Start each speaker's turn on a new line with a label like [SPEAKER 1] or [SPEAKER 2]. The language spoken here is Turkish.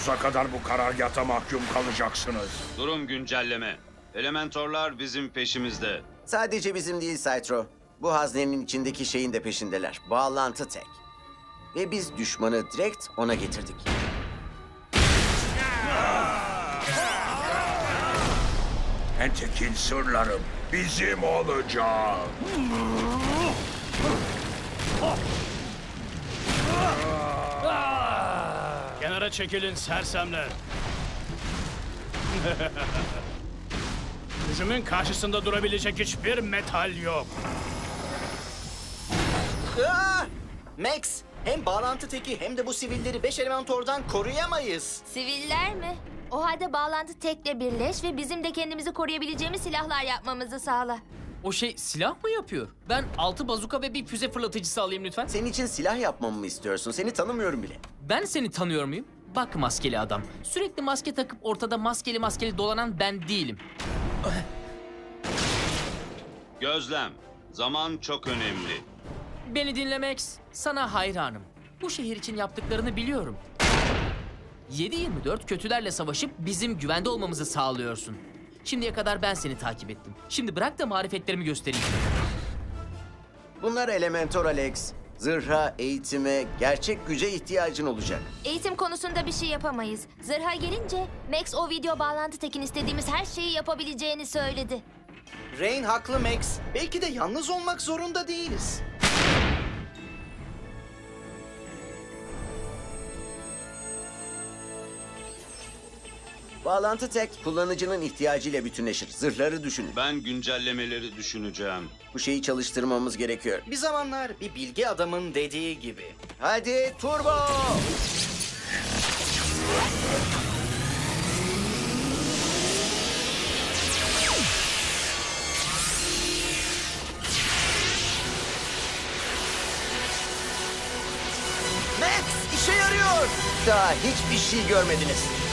[SPEAKER 1] Sonsuza kadar bu karargâhta mahkum kalacaksınız.
[SPEAKER 2] Durum güncelleme. Elementorlar bizim peşimizde.
[SPEAKER 3] Sadece bizim değil Cytro. Bu haznenin içindeki şeyin de peşindeler. Bağlantı tek. Ve biz düşmanı direkt ona getirdik.
[SPEAKER 1] Entek'in sırlarım bizim olacak.
[SPEAKER 4] Kenara çekilin sersemler. Gücümün karşısında durabilecek hiçbir metal yok.
[SPEAKER 5] Max, hem bağlantı teki hem de bu sivilleri 5 elementordan koruyamayız.
[SPEAKER 6] Siviller mi? O halde bağlantı tekle birleş ve bizim de kendimizi koruyabileceğimiz silahlar yapmamızı sağla.
[SPEAKER 7] O şey silah mı yapıyor? Ben 6 bazuka ve bir füze fırlatıcısı alayım lütfen.
[SPEAKER 3] Senin için silah yapmamı mı istiyorsun? Seni tanımıyorum bile.
[SPEAKER 7] Ben seni tanıyor muyum? Bak maskeli adam. Sürekli maske takıp ortada maskeli dolanan ben değilim.
[SPEAKER 2] Gözlem. Zaman çok önemli.
[SPEAKER 7] Beni dinle Max. Sana hayranım. Bu şehir için yaptıklarını biliyorum. 7/24 kötülerle savaşıp bizim güvende olmamızı sağlıyorsun. Şimdiye kadar ben seni takip ettim. Şimdi bırak da marifetlerimi göstereyim.
[SPEAKER 3] Bunlar Elementor Alex. Zırha, eğitime, gerçek güce ihtiyacın olacak.
[SPEAKER 6] Eğitim konusunda bir şey yapamayız. Zırha gelince Max o video bağlantı tekin istediğimiz her şeyi yapabileceğini söyledi.
[SPEAKER 5] Rain haklı Max. Belki de yalnız olmak zorunda değiliz.
[SPEAKER 3] Bağlantı tek kullanıcının ihtiyacıyla bütünleşir. Zırhları düşünün.
[SPEAKER 2] Ben güncellemeleri düşüneceğim.
[SPEAKER 3] Bu şeyi çalıştırmamız gerekiyor.
[SPEAKER 5] Bir zamanlar bir bilgi adamın dediği gibi.
[SPEAKER 3] Hadi turbo! Max işe yarıyor. Daha hiçbir şey görmediniz.